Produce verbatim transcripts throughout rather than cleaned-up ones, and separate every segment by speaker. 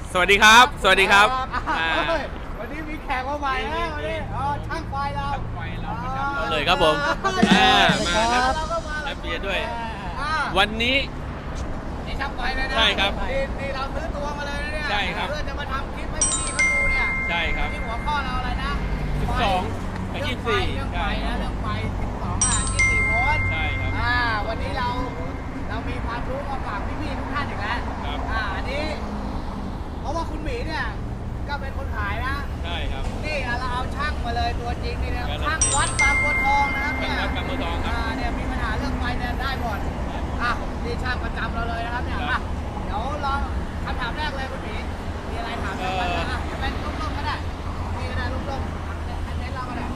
Speaker 1: สวัสดีครับสวัสดีครับ
Speaker 2: วันนี้มีแขกมาใหม่นะวันนี้ช่างไฟเรา
Speaker 1: เราเลยครับผมมาครับและเบียร์ด้วยวันนี้
Speaker 2: นี่ช่างไฟเลยนะ
Speaker 1: ใช่ครับ
Speaker 2: นี่เราซื้อตัวมาเลยนะเนี่ย
Speaker 1: ใช่ครับ
Speaker 2: เพื่อจะมาทำคลิปให้พี่ๆเขาดูเนี่ย
Speaker 1: ใช่ครับ
Speaker 2: ที่หัวข้อเราอะไรนะ
Speaker 1: สิบสองกับยี่สิบสี่
Speaker 2: เรื่องไฟนะเรื่องไฟสิบสองอ่ะยี่สิบสี่โวลต์
Speaker 1: ใช่ครับ
Speaker 2: อ่าวันนี้เราเรามีความรู้มาฝากพี่ๆทุกท่านอีกแล้ว
Speaker 1: ครับ
Speaker 2: อ่าอันนี้เพราะว่าคุณหมีเนี่ยก็เป็นคนขายนะ
Speaker 1: ใช่ครับ
Speaker 2: นี่เราเอาช่างมาเลยตัวจริงนี่นะช่างวัดบางบัวทองนะครับเนี่ย
Speaker 1: วัดบางบัวทองครับ
Speaker 2: อ่าเนี่ยมีปัญหาเรื่องไฟเนี่ยได้หมดอ่ะนี่ช่างประจำเราเลยนะครับเนี่ยอ่ะเดี๋ยวลองคำถามแรกเลยคุณหมีมีอะไรถามกันบ้างอ่ะเป็นลุ่มๆก็ได้นี่ก็ได้ลุ่มๆให้เน้นเราก็ได้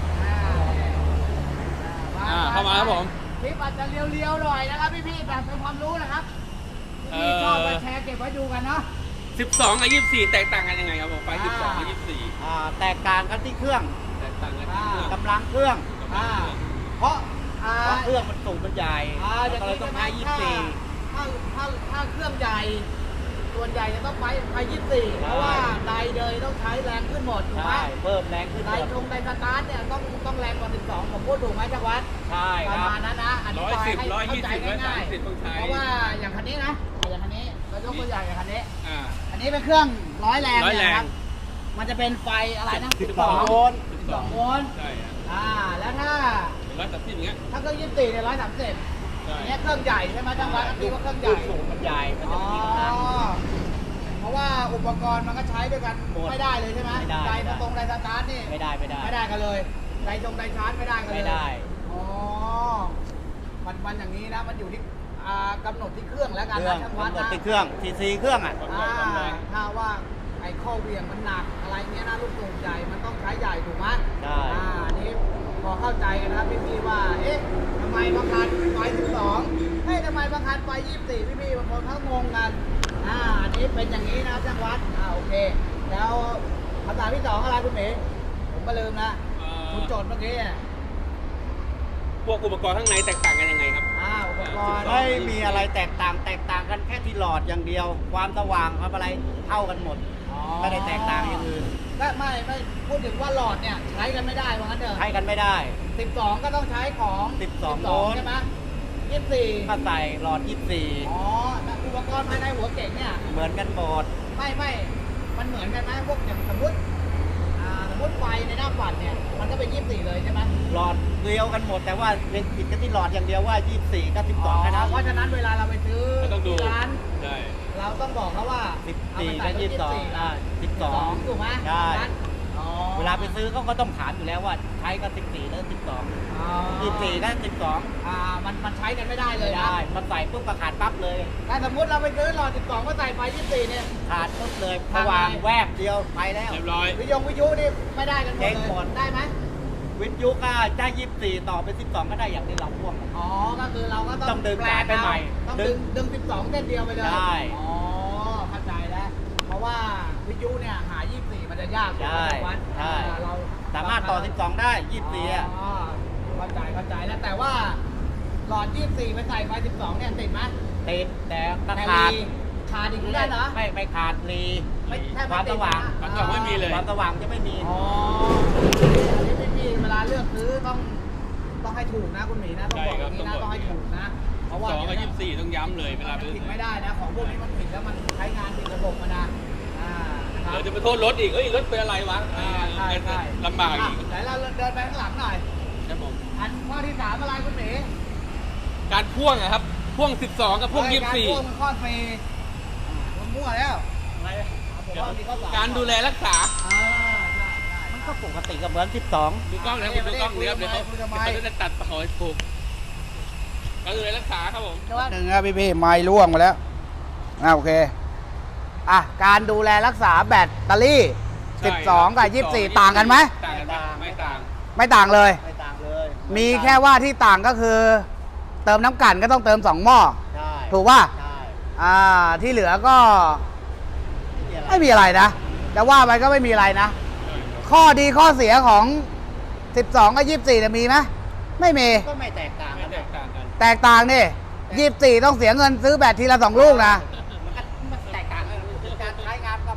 Speaker 1: อ่าเข้ามาครับผม
Speaker 2: คลิปอาจจะเรียวๆหน่อยนะครับพี่ๆแบบเป็นความรู้นะครับพี่ชอบมาแชร์เก็บไว้ดูกันเนาะ
Speaker 1: สิบสองกับยี่สิบสี่แตกต่างกันยังไงครับผมไฟสิบสองกับยี่สิบสี่
Speaker 3: อ่าแตกต่างกันที่เครื่อง
Speaker 1: แตกต่างกันที่
Speaker 3: กำลังเครื่อง
Speaker 2: อ่าเพราะ
Speaker 3: เพราะเครื่องมันสูงมันใหญ่
Speaker 2: ก็
Speaker 3: เลยต้องใช้ยี่สิบสี่
Speaker 2: ถ้าถ้าถ้าเครื่องใหญ่ส่วนใหญ่จะต้องไปไปยี่สิบสี่เพราะว่าไดเดยต้องใช้แรงขึ้นหมดถูกไหม
Speaker 3: เพิ่มแรงขึ้น
Speaker 2: ไดตรงไดสตาร์ทเนี่ยต้องต้องแรงกว่าสิบสองผมพูดถูกไหมจังหวัด
Speaker 3: ใช่
Speaker 2: ประมาณนั้นนะอธิบายให้เข้าใจง่าย
Speaker 1: ๆ
Speaker 2: เพราะว่าอย่างคันนี้นะอย่างคันนี้เรายกตัวอย่างอย่างคันนี้อันนี้เป็นเครื่องร้อยแรงนะครับมันจะเป็นไฟอะไรนะ
Speaker 3: สิบสองโวลต์
Speaker 2: สิบสองโวลต์
Speaker 1: ใช่
Speaker 2: อ่าแล้วถ้า
Speaker 1: ร้อยสามสิบอย่างเงี้ย
Speaker 2: ถ้าเครื่องยี่สิบสี่เนี่ยร้อยสามสิบอันนี้เครื่องใหญ่ใช่ไหมจังหวัดอันนี้ว่าเครื่องใหญ่
Speaker 3: สูงมันใหญ่มันจะมีกำลัง
Speaker 2: เพราะว่าอุปกรณ์มันก็ใช้ด้วยกันไม่ได้เลยใช่ไหมไดตรงไดสตาร์ทนี่
Speaker 3: ไม่ได้ไม่ได้
Speaker 2: ไม่ได้กันเลยไดตรงไดชาร์จไม่ได้กันเลย
Speaker 3: ไม่ได้
Speaker 2: อ๋อมันมันอย่างนี้นะมันอยู่ที่กำหนดที่เครื่องแล้วกันนะช่างวัดนะ
Speaker 3: ที่เครื่องทีซีเครื่องอ่ะ
Speaker 2: ถ้าว่าไอ้ข้อเวียงมันหนักอะไรเงี้ยนะลูกสูบใหญ่มันต้องใช้ใหญ่ถูกไหม
Speaker 3: ใช่
Speaker 2: อ่านี้พอเข้าใจกันนะครับพี่ๆว่าเอ๊ะทำไมบางคันไฟสิบสองเฮ้ยทำไมบางคันไฟยี่สิบสี่พี่ๆบางคนเขางงกันอ่าอันนี้เป็นอย่างนี้นะช่างวัดอ่าโอเคแล้วคำถามที่สองอะไรคุณเมย์ผมก็ลืมนะคุณโจทย์เมื่อกี้
Speaker 1: พวกอุปกรณ์ข้างในแตกต่างกันยังไงครับ
Speaker 2: อ่าอุปกรณ์
Speaker 3: ไม่มีอะไรแตกต่างแตกต่างกันแค่ที่หลอดอย่างเดียวความสว่างความอะไรเท่ากันหมดไม่ได้แตกต่างอย่างอื่น
Speaker 2: ก็ไม่ไม่พูดถึงว่าหลอดเนี่ยใช้กันไม่ได้ว่างั้นเถอะ
Speaker 3: ใช้กันไม่ได้
Speaker 2: สิบสองก็ต้องใช้ของ
Speaker 3: สิบสองโวลต์
Speaker 2: ใช่ไหมยี่สิบสี่
Speaker 3: ก็ใส่หลอดยี่สิบสี่
Speaker 2: อ๋อแต่อุปกรณ์ภายในหัวเก่งเนี่ย
Speaker 3: เหมือนกันหมด
Speaker 2: ไม่ไม่มันเหมือนกันไหมพวกอย่างสมมติอ่าสมมติไฟในหน้าปัดเนี่ยมันก็เป็นยี่สิบสี่เลยใช่ไหม
Speaker 3: หลอดเดียวกันหมดแต่ว่าเป็นผิดกันที่หลอดอย่างเดียวว่ายี่สิบสี่กับสิบสองแค่นั้น
Speaker 2: เพราะฉะนั้นเวลาเราไปซื้อ
Speaker 1: ที่
Speaker 2: ร้าน
Speaker 1: ใช่
Speaker 2: เราต้องบอกเขาว่า
Speaker 3: สิบสี่กับยี่สิบสองอ่าสิบสอง
Speaker 2: ถูกไหม
Speaker 3: ใช่เวลาไปซื้อเขาก็ต้องถามอยู่แล้วว่าใช้กับสิบสี่หรือสิบสองยี่สิบสี่กับสิบสอง
Speaker 2: อ่ามันมันใช้กันไม่ได้เลยนะ
Speaker 3: มันใส่ปุ๊บก็ขาดปั๊บเลย
Speaker 2: ถ้าสมมติเราไปซื้อหลอดสิบสองก็ใส่ไฟยี่สิบสี่เนี่ย
Speaker 3: ขาดปุ๊บเลยสว่างแวบเดียวไปแล้ว
Speaker 1: เรียบร้อย
Speaker 2: วิทยุวิทยุนี่ไม่ได้กันหมดเลยได้ไหม
Speaker 3: วิทยุก็ได้ยี่สิบสี่ต่อเป็นสิบสองก็ได้อย่างที่เราพ่วง
Speaker 2: อ๋อก็คือเราก็
Speaker 3: ต้องดึงแปลไปใหม่
Speaker 2: ต้องดึงดึงสิบสองเส้นเดียวไปเลย
Speaker 3: ใช่
Speaker 2: อ๋อเข้าใจแล้วเพราะว่าวิทยุเนี่ยหายี่สิบสี่มันจะยาก
Speaker 3: ใช่ใช่
Speaker 2: เรา
Speaker 3: สามารถต่อสิบสองได้ยี่สิบสี่อ่ะ
Speaker 2: เข้าใจเข้าใจแล้วแต่ว่าหลอดยี่สิบสี่ไปใส่ไฟสิบสองเนี่ยติดไหม
Speaker 3: ติดแต่ขาด
Speaker 2: ขาดอีกได้เหรอ
Speaker 3: ไม่ไม่ขาดรีความสว่าง
Speaker 1: ความสว่างไม่มีเลย
Speaker 3: ความสว่างจะไม่มี
Speaker 2: อ๋ออันนี้พี่เวลาเลือกซื้อต้องต้องให้ถูกนะคุณหมีนะต้องบอกอย่างนี้นะต้องให้ถูกนะเพราะว่า
Speaker 1: สองกับยี่สิบสี่ต้องย้ำเลยเวลา
Speaker 2: ผิดไม่ได้นะของพวกนี้มันผิดแล้วมันใช้งานผิดระบบมานะ
Speaker 1: เดี๋ยวจะไปโทษรถอีกเอ้ยรถเป็นอะไรวะ
Speaker 2: ใช่ใช่
Speaker 1: ลำบากอีก
Speaker 2: ไหนเราเดินไปข้างหลังหน่อย
Speaker 1: ครับผม
Speaker 2: อันข้อที่สามอะไรคุณหมี
Speaker 1: การพ่วงอะครับพ่วงสิบสองกับพ่วงยี่สิบสี่
Speaker 2: การพ่วงมันข้อเฟย์มันมั่วแล้ว
Speaker 1: การดูแลรักษา
Speaker 3: มันก็ปกติกับเหมือนสิบสอง
Speaker 1: ดูกล้องนะคุณดูกล้องเดี๋ยวเดี๋ยวเขาจะตัดต่อถูกการดูแลรักษาครับผม
Speaker 2: หนึ่งครับพี่พี่ไม้ร่วงมาแล้วอ่าโอเคอ่ะการดูแลรักษาแบตเตอรี่สิบสองกับยี่สิบสี่ต่างกันไหม
Speaker 1: ต่างกันไม่ต่าง
Speaker 2: ไม่ต่างเลย
Speaker 3: ไม่ต่างเลย
Speaker 2: มีแค่ว่าที่ต่างก็คือเติมน้ำกลั่นก็ต้องเติมสองหม้อถูกป่ะอ่าที่เหลือก็ไม่มีอะไรนะจะว่าไปก็ไม่มีอะไรนะข้อดีข้อเสียของสิบสองกับยี่สิบสี่จะมีไหมไม่มี
Speaker 3: ก็ไม่แตกต่างกัน
Speaker 2: แตกต่างนี่ยี่สิบสี่ต้องเสียเงินซื้อแบตทีละสองลูกนะ
Speaker 3: มันแตกต่างกันคือการใช้งานก็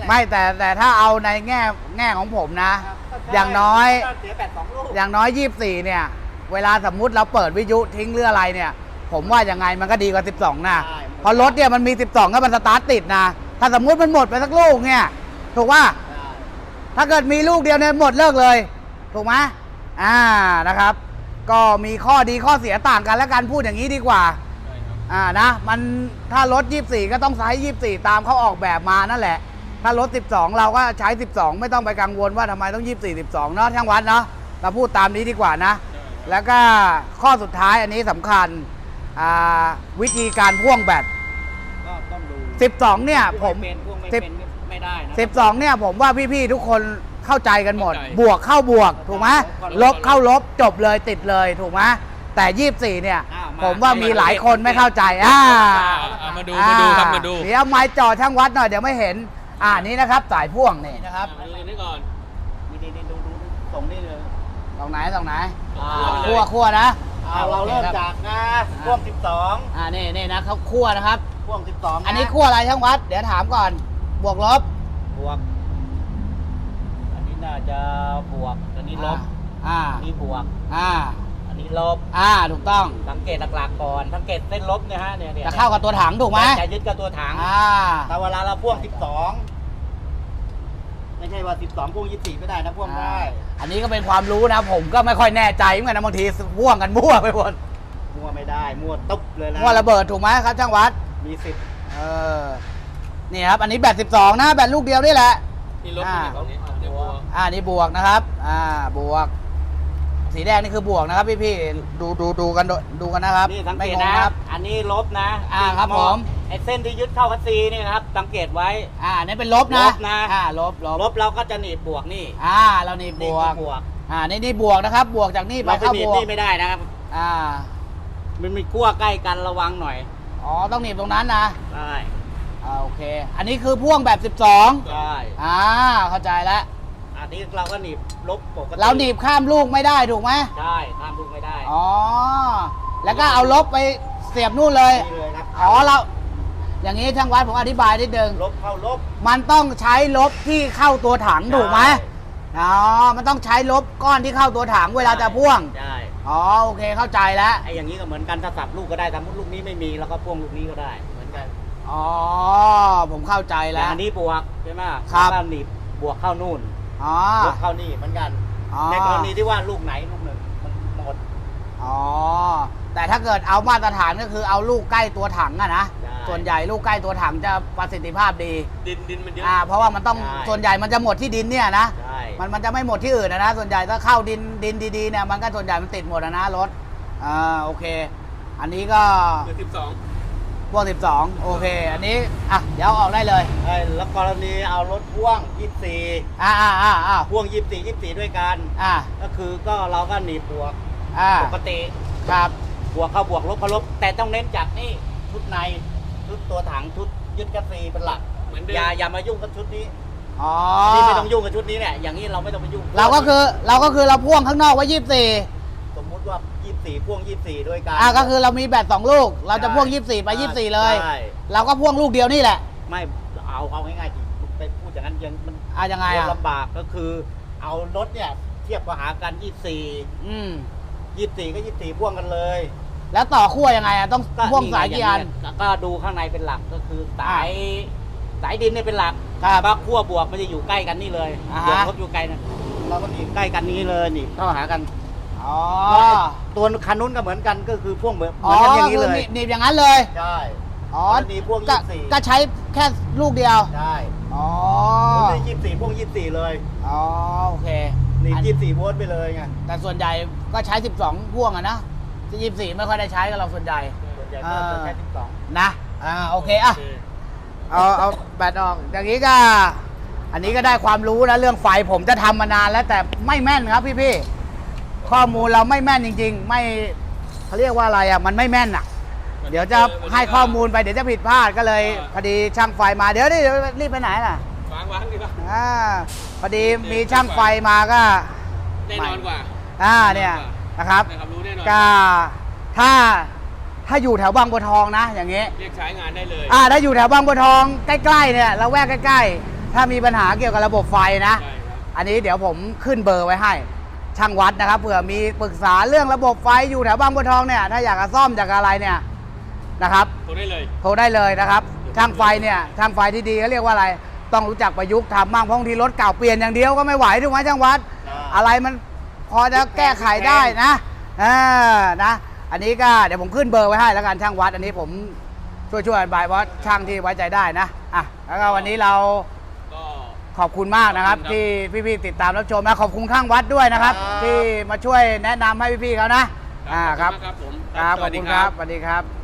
Speaker 2: ไม่แต่แต่ถ้าเอาในแง่แง่ของผมนะ
Speaker 3: ครับก็ใช่
Speaker 2: อย่างน้อย
Speaker 3: ก็เสียแบตสองลูก
Speaker 2: อย่างน้อยยี่สิบสี่เนี่ย เวลาสมมุติเราเปิดวิทยุทิ้งหรืออะไรเนี่ย ผมว่ายังไงมันก็ดีกว่าสิบสองนะ
Speaker 3: ใช่
Speaker 2: เพราะรถเนี่ยมันมีสิบสองก็มันสตาร์ทติดนะ ถ้าสมมุติมันหมดไปสักลูกเนี่ย ถูกว่า ถ้าเกิดมีลูกเดียวเนี่ยหมดเลิกเลย ถูกไหมอ่านะครับ ก็มีข้อดีข้อเสียต่างกันแล้วกันพูดอย่างนี้ดีกว่า
Speaker 1: ใช่ครับ
Speaker 2: อ่านะมันถ้ารถยี่สิบสี่ก็ต้องใช้ยี่สิบสี่ตามเขาออกแบบมานั่นแหละ ถ้ารถสิบสองเราก็ใช้สิบสองไม่ต้องไปกังวลว่าทำไมต้องยี่สิบสี่ สิบสองเนาะช่างวัดเนาะเราพูดตามนี้ดีกว่านะ แล้วก็ข้อสุดท้ายอันนี้สำคัญอ่าวิธีการพ่วงแบต
Speaker 3: ก็ต้องดู
Speaker 2: สิบสองเนี่ยผม
Speaker 3: พ่วงไเป็นพ่วงไม่
Speaker 2: สิบ
Speaker 3: เป็นไม่ได้นะ
Speaker 2: สิบสองเนี่ยผมว่าพี่ๆทุกคนเข้าใจกันหมด บวกเข้าบวกถูกไหมลบเข้าลบจบเลยติดเลยถูกไหมแต่ยี่สิบสี่เนี่ย
Speaker 3: อ่ามา
Speaker 2: ผมว่ามีหลายคนไม่เข้าใจอ่า
Speaker 1: อ่ามาดูมาดูครับมาดู
Speaker 2: เดี๋ยวเอาไม้จ่อช่างวัดหน่อยเดี๋ยวไม่เห็น อ่านี้นะครับสายพ่วงนี่นะครับ
Speaker 1: มาดูตัวนี้ก่อน
Speaker 3: นี่นี่นี่ดูดูดูส่งนี่เลย
Speaker 2: ตรงไหนตรงไหน
Speaker 3: อ่า
Speaker 2: คั่วคั่วนะ
Speaker 3: อ่าเราเริ่มจากนะพ่วงสิบสอง
Speaker 2: อ่านี่นี่นะเขาคั่วนะครับ
Speaker 3: พ่วงสิบสอง
Speaker 2: อันนี้คั่วอะไรช่างวัด เดี๋ยวถามก่อน บวกลบ
Speaker 3: บวก อันนี้น่าจะบวก อันนี้ลบ
Speaker 2: อ่า
Speaker 3: อันนี้บวก
Speaker 2: อ่า
Speaker 3: อันนี้ลบ
Speaker 2: อ่าถูกต้อง
Speaker 3: สังเกตหลักๆก่อน สังเกตเส้นลบเนี่ยฮะเนี่ยเนี่ย
Speaker 2: จะเข้ากับตัวถังถูกไหม
Speaker 3: จะยึดกับตัวถัง
Speaker 2: อ่า
Speaker 3: แต่เวลาเราพ่วงสิบสองไม่ใช่ว่าสิบสองพ่วงยี่สิบสี่ไม่ได้นะพ่วงได้
Speaker 2: อันนี้ก็เป็นความรู้นะ ผมก็ไม่ค่อยแน่ใจเหมือนกันนะบางทีพ่วงกันมั่วไปหมด
Speaker 3: มั่วไม่ได้ มั่วตุ๊บเลยนะ
Speaker 2: มั่วระเบิดถูกไหมครับช่างวัด
Speaker 3: มีสิทธิ์
Speaker 2: เออ นี่ครับ อันนี้แบตสิบสองนะ แบตลูกเดียวนี่แหละ
Speaker 1: นี่ลบ
Speaker 2: อ่า
Speaker 1: นี่ฝั่งนี้เดี๋ยวบวก
Speaker 2: อ่านี่บวกนะครับ อ่าบวก สีแดงนี่คือบวกนะครับพี่พี่ๆดูดูดูกันดูดูกันนะครับ
Speaker 3: นี่สังเก
Speaker 2: ไม่
Speaker 3: ต
Speaker 2: งง
Speaker 3: นะ
Speaker 2: นะครับ
Speaker 3: อันนี้ลบนะ
Speaker 2: อ่าครับผม
Speaker 3: ไอ้เส้นที่ยึดเข้าคัสซีนี่นะครับ สังเกตไว้
Speaker 2: อ่าอันนี่เป็นลบนะ
Speaker 3: ลบนะ
Speaker 2: อ่าลบลบ
Speaker 3: ลบเราก็จะหนีบบวกนี่
Speaker 2: อ่าเรานี่บ
Speaker 3: นี่
Speaker 2: ว
Speaker 3: คื
Speaker 2: ก
Speaker 3: อบวก
Speaker 2: อ่านี่นี่บวกนะครับ บวกจากนี่ไป
Speaker 3: เราไป
Speaker 2: เข้า
Speaker 3: หนี
Speaker 2: บบ วก
Speaker 3: นี่ไม่ได้นะครับ
Speaker 2: อ่า
Speaker 3: มันมีขั้วใกล้กันระวังหน่อย
Speaker 2: อ๋อต้องหนีบตรงนั้นนะ
Speaker 3: ได้
Speaker 2: อ่าโอเค อันนี้คือพ่วงแบบสิบสอง
Speaker 3: ได้
Speaker 2: อ่าเข้าใจแล้ว
Speaker 3: อันนี้เราก็หนีบลบปกติ
Speaker 2: เราหนีบข้ามลูกไม่ได้ถูกไหม
Speaker 3: ใช่ข้ามลูกไม่ได้
Speaker 2: อ๋อ แล้วก็เอาลบไปเสียบนู่นเลย
Speaker 3: นี่เลยครับ
Speaker 2: อ๋อเรา อย่างนี้ช่างวัดผมอธิบายนิดนึง
Speaker 3: ลบเข้าลบ
Speaker 2: มันต้องใช้ลบที่เข้าตัวถังถูกไหม
Speaker 3: ใช่
Speaker 2: อ๋อ มันต้องใช้ลบก้อนที่เข้าตัวถังเวลาจะพ่วง
Speaker 3: ใช่
Speaker 2: อ๋อโอเคเข้าใจแล้ว
Speaker 3: ไอ้อย่างนี้ก็เหมือนกันถ้าสับลูกก็ได้สมมติลูกนี้ไม่มีแล้วก็พ่วงลูกนี้ก็ได้ เหมือนกัน
Speaker 2: อ๋อผมเข้าใจ
Speaker 3: แต่
Speaker 2: แล้ว
Speaker 3: อันนี้บวกใช่ไหม
Speaker 2: ครับ
Speaker 3: แล้วก็หนีบบวกเข้านู่น
Speaker 2: อ๋อ
Speaker 3: ลบเข้านี่เหมือนกัน
Speaker 2: อ๋อ
Speaker 3: ในกรณีที่ว่าลูกไหนลูกหนึ่งมันหมด
Speaker 2: อ๋อ แต่ถ้าเกิดเอามาตรฐานก็คือเอาลูกใกล้ตัวถังอะนะ
Speaker 3: ใช่
Speaker 2: ส่วนใหญ่ลูกใกล้ตัวถังจะประสิทธิภาพดี
Speaker 1: ดินดินมันเยอะ
Speaker 2: อ่า เพราะว่ามันต้อง
Speaker 3: ใช่
Speaker 2: ส่วนใหญ่มันจะหมดที่ดินเนี่ยนะ
Speaker 3: ใช่
Speaker 2: มันมันจะไม่หมดที่อื่นนะนะ ส่วนใหญ่ถ้าเข้าดินดินดีๆเนี่ยมันก็ส่วนใหญ่มันติดหมดนะนะรถ อ่าโอเค อันนี้ก็
Speaker 1: คือสิบสอง
Speaker 2: พวกสิบสองโอเค อันนี้ อ่ะ เดี๋ยวเอาออกได้เลย
Speaker 3: ไอ้แล้วกรณีเอารถพ่วงยี่สิบสี่
Speaker 2: อ่าอ่าอ่าอ่า
Speaker 3: พ่วงยี่สิบสี่ ยี่สิบสี่ด้วยกัน
Speaker 2: อ่า
Speaker 3: ก็คือก็เราก็หนีบบวก
Speaker 2: อ่า
Speaker 3: ปกติ
Speaker 2: ครับ
Speaker 3: บวกเข้าบวกลบเข้าลบ แต่ต้องเน้นจากนี่ชุดในชุดตัวถังชุดยึดกระซีเป็นหลัก
Speaker 1: เหมือนเดิ
Speaker 3: อย่าม อย่ามายุ่งกับชุดนี้
Speaker 2: อ๋อ
Speaker 3: อันนี้ไม่ต้องยุ่งกับชุดนี้เนี่ยอย่างนี้เราไม่ต้องไปยุ่ง
Speaker 2: เราก็คือเราก็คือเราพ่วงข้างนอกไว้ยี่สิบสี่
Speaker 3: สมมุติว่ายี่สิบสี่พ่วงยี่สิบสี่ด้วยกัน
Speaker 2: อ่าก็คือเรามีแบตสองลูก เราจะพ่วงยี่สิบสี่ไปยี่สิบสี่เลย
Speaker 3: ใช่
Speaker 2: เราก็พ่วงลูกเดียวนี่แหละ
Speaker 3: ไม่เอาเอาง่ายๆที่ไปพูดอย่างนั้นยังมัน
Speaker 2: อ่ายังไงอ่ะ
Speaker 3: ลำบากก็คือเอารถเนี่ยเทียบกับหากันยี่สิบสี่
Speaker 2: อืม
Speaker 3: ยี่สิบสี่ก็ยี่สิบสี่พ่วงกันเลย
Speaker 2: แล้วต่อขั้วยังไงอ่ะต้องพ่วงสายกี่อัน
Speaker 3: แล้วก็ดูข้างในเป็นหลักก็คือสายสายดินเนี่ยเป็นหลัก
Speaker 2: ครับ
Speaker 3: บักขั้วบวกมันจะอยู่ใกล้กันนี่เลย
Speaker 2: อ่า
Speaker 3: บว
Speaker 2: ฮะ
Speaker 3: กลบอยู่ไกลนะเราก็หนีบใกล้กันนี้เลยหนีบเข้าหากัน
Speaker 2: อ๋อ
Speaker 3: ตัวคันนู้นก็เหมือนกันก็คือพ่วงเหมือนเห
Speaker 2: อ๋
Speaker 3: มื
Speaker 2: อ
Speaker 3: อนกันอย่าง
Speaker 2: คื
Speaker 3: นี้
Speaker 2: อ
Speaker 3: เลย
Speaker 2: หนีบหนีบอย่างนั้นเลย
Speaker 3: ใช่
Speaker 2: อ๋อ
Speaker 3: หนีบพ่วง
Speaker 2: ก็
Speaker 3: ยี่สิบสี่
Speaker 2: ก็ใช้แค่ลูกเดียว
Speaker 3: ใช่
Speaker 2: อ๋อ
Speaker 3: ผมได้ยี่สิบสี่พ่วงยี่สิบสี่เลย
Speaker 2: อ๋อโอเค
Speaker 3: หนีบ
Speaker 2: อัน
Speaker 3: ยี่สิบสี่โวลต์ไปเลยไง
Speaker 2: แต่ส่วนใหญ่ก็ใช้สิบสองพ่วงอะนะยี่สิบสี่ไม่ค่อยได้ใช้กับเราส่วนใหญ่
Speaker 3: ส่วนใหญ่ก็จะแค่สิบสอง
Speaker 2: นะอ่าโอเคอ่ะ เอาเอาแบตออกอย่างนี้ก็ อันนี้ก็ได้ความรู้นะเรื่องไฟผมจะทำมานานแล้วแต่ไม่แม่นครับพี่พี่ๆข้อมูลเราไม่แม่นจริง ๆ ไม่เขาเรียกว่าอะไรอ่ะมันไม่แม่นอ่ะ เดี๋ยวจะให้ข้อมูลไปเดี๋ยวจะผิดพลาดก็เลยพอดีช่างไฟมาเดี๋ยวนี่รีบไปไหนล่ะ
Speaker 1: วางวางดีกว่า
Speaker 2: อ่าพอดีมีช่างไฟมาก็
Speaker 1: แน่นอนกว่า
Speaker 2: อ่าเนี่ยนะครับ
Speaker 1: ได้ความรู้แน่นอน
Speaker 2: ก็ถ้าถ้าอยู่แถวบางบัวทองนะ อย่างเงี้ย
Speaker 1: เรียกใช้งานได้เลย
Speaker 2: อ่าถ้าอยู่แถวบางบัวทองใกล้ๆเนี่ยเราแวกใกล้ๆถ้ามีปัญหาเกี่ยวกับระบบไฟนะ
Speaker 1: ใช่ครับ
Speaker 2: อันนี้เดี๋ยวผมขึ้นเบอร์ไว้ให้ช่างวัดนะครับเผื่อมีปรึกษาเรื่องระบบไฟอยู่แถวบางบัวทองเนี่ยถ้าอยากจะซ่อมจากอะไรเนี่ยนะครับ
Speaker 1: โทรได้เลย
Speaker 2: โทรได้เลยนะครับช่างไฟเนี่ยช่างไฟที่ดีเขาเรียกว่าอะไรต้องรู้จักประยุกต์ทำบ้างเพราะบางทีรถเก่าเปลี่ยนอย่างเดียวก็ไม่ไหวถูกไหมช่างวัด อะไรมันพอจะแก้ไขได้นะเออนะ อันนี้ก็เดี๋ยวผมขึ้นเบอร์ไว้ให้แล้วกันช่างวัด อันนี้ผมช่วยช่วยอธิบายว่าช่างที่ไว้ใจได้นะอ่ะแล้วก็วันนี้เรา
Speaker 1: ก็
Speaker 2: ขอบคุณมากนะครับ
Speaker 1: ขอบคุณครับ
Speaker 2: ที่พี่ๆติดตามรับชมนะขอบคุณข้างวัดด้วยนะครับ
Speaker 3: ครับ
Speaker 2: ที่มาช่วยแนะนำให้พี่ๆเขานะอ่าครับ
Speaker 1: ครับผม
Speaker 2: ครับ
Speaker 1: ส
Speaker 2: ขอ
Speaker 1: วั
Speaker 2: บ
Speaker 1: สดี
Speaker 2: คุณ
Speaker 1: ค
Speaker 2: ค
Speaker 1: รั
Speaker 2: รับ บสวัสดีครับ